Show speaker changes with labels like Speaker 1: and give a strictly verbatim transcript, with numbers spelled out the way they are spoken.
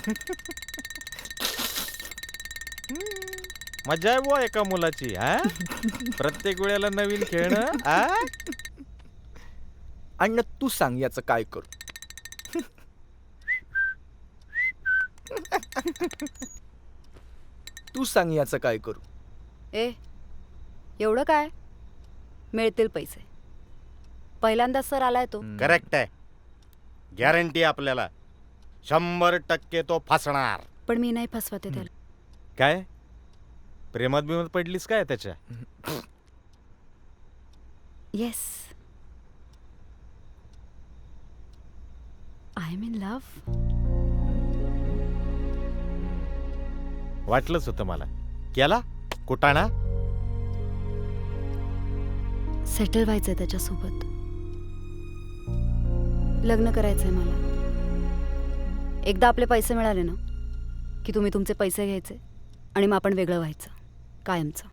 Speaker 1: मजा आहे बुवा एका मुलाची. हा प्रत्येक वेळेला नवीन खेळणं. आ
Speaker 2: अण्णा तू सांग याचं काय करू. तू सांग याचं काय करू.
Speaker 3: ए एवढं काय, मिळतील पैसे. पहिल्यांदा सर आलाय तो.
Speaker 1: करेक्ट आहे. गॅरंटी आपल्याला शंभर टक्के तो फसणार.
Speaker 3: पण मी नाही फसवते त्याला.
Speaker 1: काय प्रेमात बिमात पडलीस काय त्याच्या?
Speaker 3: Yes, I am in love.
Speaker 1: वाटलंच होतं मला. केला कुटाणा.
Speaker 3: सेटल व्हायचंय त्याच्यासोबत. लग्न करायचंय मला. एकदा आपले पैसे मिळाले ना की तुम्ही तुमचे पैसे घ्यायचे आणि मग आपण वेगळं व्हायचं कायमचं.